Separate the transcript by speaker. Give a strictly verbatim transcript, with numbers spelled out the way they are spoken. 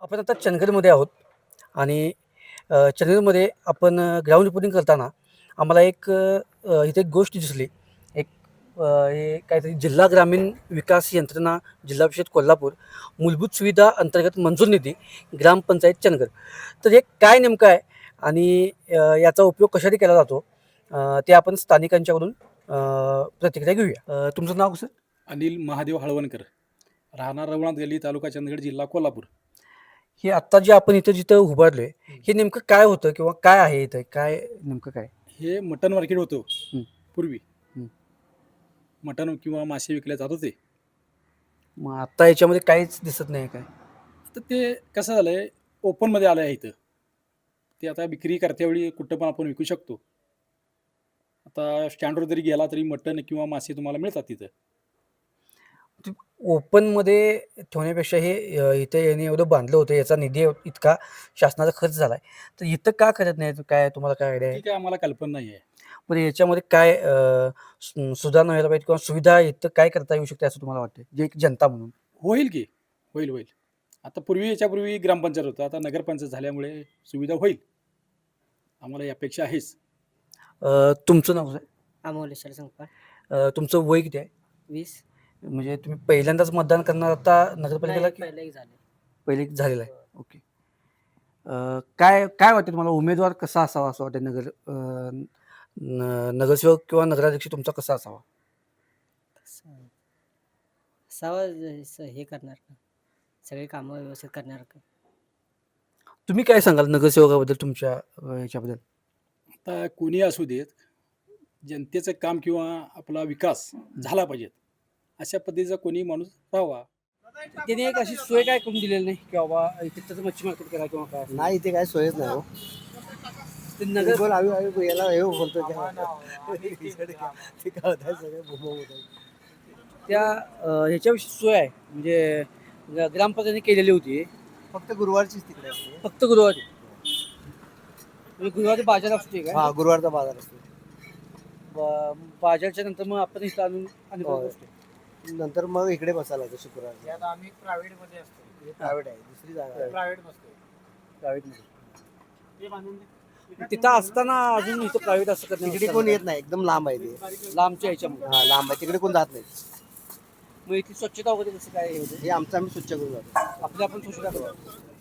Speaker 1: आपण आता चंदगडमध्ये आहोत आणि अ, चंदगडमध्ये आपण अ, ग्राउंड रिपोर्टिंग करताना आम्हाला एक अ, इथे एक गोष्ट दिसली. एक अ, हे काहीतरी जिल्हा ग्रामीण विकास यंत्रणा, जिल्हा परिषद कोल्हापूर, मूलभूत सुविधा अंतर्गत मंजूर निधी, ग्रामपंचायत चंदगड. तर हे काय नेमकं आहे आणि अ, याचा उपयोग कशासाठी केला जातो? अ, ते आपण स्थानिकांच्याकडून अ, प्रतिक्रिया घेऊया. अ, तुमचं नाव कसं?
Speaker 2: अनिल महादेव हळवणकर, राहणार रवणात गल्ली, तालुका चंदगड, जिल्हा कोल्हापूर.
Speaker 1: हे आत्ता जे आपण इथं जिथं उभारलोय, हे नेमकं काय होतं किंवा काय आहे इथं? काय नेमकं काय?
Speaker 2: हे मटण मार्केट होतं
Speaker 1: हं,
Speaker 2: पूर्वी.
Speaker 1: हं.
Speaker 2: मटण किंवा मासे विकले जात होते.
Speaker 1: मग आत्ता याच्यामध्ये काहीच दिसत नाही काय?
Speaker 2: तर ते कसं झालंय, ओपनमध्ये आलं आहे इथं. ते आता विक्री करतेवेळी कुठं पण आपण विकू शकतो. आता स्टँडवर जरी गेला तरी मटण किंवा मासे तुम्हाला मिळतात तिथं.
Speaker 1: ते ओपनमध्ये ठेवण्यापेक्षा हे अ, इथे याने एवढं बांधलं होतं, याचा निधी एव- इतका शासनाचा खर्च झालाय. तर इथं का करत नाहीत? काय तुम्हाला काय आयडिया आहे?
Speaker 2: ती काय आम्हाला कल्पना नाही आहे.
Speaker 1: पण याच्यामध्ये काय अ, सु सुधारणा व्हायला पाहिजे किंवा सुविधा इथं काय करता येऊ शकते असं तुम्हाला वाटतं? जे एक जनता म्हणून?
Speaker 2: होईल की, होईल, होईल. आता पूर्वी याच्यापूर्वी ग्रामपंचायत होतं. आता नगरपंचायत झाल्यामुळे सुविधा होईल. आम्हाला ही अपेक्षा आहेच.
Speaker 1: अ, तुमचं नाव काय?
Speaker 3: अमोलेश्वर संकपाळ.
Speaker 1: अ, तुमचं वय किती आहे?
Speaker 3: वीस.
Speaker 1: म्हणजे तुम्ही पहिल्यांदाच मतदान करणार आता नगरपालिकेला
Speaker 3: नाही,
Speaker 1: की
Speaker 3: पहिलं एक झाले.
Speaker 1: पहिले झालेलं आहे? ओके. अ, काय काय वाटतं तुम्हाला उमेदवार कसा असावा असं वाटतं नगर अ, न नगरसेवक किंवा नगराध्यक्ष तुमचा कसा असावा?
Speaker 3: तसं असावा ज- स- हे करणार का, सगळे कामं व्यवस्थित करणार का.
Speaker 1: तुम्ही काय सांगाल नगरसेवकाबद्दल तुमच्या अ, ह्याच्याबद्दल?
Speaker 2: आता कोणी असू देत, जनतेचं काम किंवा आपला विकास झाला पाहिजे. अशा पद्धतीचा कोणी माणूस राहावा.
Speaker 1: त्याने एक अशी सोय काय करून दिलेली नाही की बाबा इथे त्याचं मच्छी मार्केट करा किंवा काय असं.
Speaker 4: नाही इथे काय सोयच नाही हो.
Speaker 1: ते नगर
Speaker 4: बोल आम्ही आम्ही याला हे बोलतो ते काय होत सगळे बोंब होत आहे.
Speaker 1: त्या अ, ह्याच्याविषयी सोय आहे म्हणजे ग- ग्रामपंचायतीने केलेली होती
Speaker 4: फक्त गुरुवारचीच तिकडे असते.
Speaker 1: फक्त गुरुवारी. म्हणजे गुरुवारी बाजार असते
Speaker 4: हा
Speaker 1: काय?
Speaker 4: गुरुवारचा बाजार असतो.
Speaker 1: ब- बाजारच्या नंतर मग आपण इथं आणून आणि
Speaker 4: होय.
Speaker 1: बसतो.
Speaker 4: नंतर मग इकडे बसायला लागतो शुक्रवार.
Speaker 5: यात आम्ही प्रायव्हेट मध्ये असतो.
Speaker 4: प्रायव्हेट आहे दुसरी जागा आहे.
Speaker 5: प्रायव्हेट बसतो.
Speaker 1: प्रायव्हेटमध्ये.
Speaker 5: ते बांधून दे.
Speaker 1: तिथं असताना अजून इथं प्रायव्हेट असं करण्यात
Speaker 4: तिकडे कोण येत नाही एकदम लांब आहे ते.
Speaker 1: लांबच्या ह्याच्यामध्ये.
Speaker 4: हा लांब आहे तिकडे कोण जात नाही.
Speaker 1: मग इथली स्वच्छता वगैरे कसं काय हे होतं?
Speaker 4: हे आमचं आम्ही स्वच्छ करून जातो.
Speaker 1: आपली आपण स्वच्छता करू.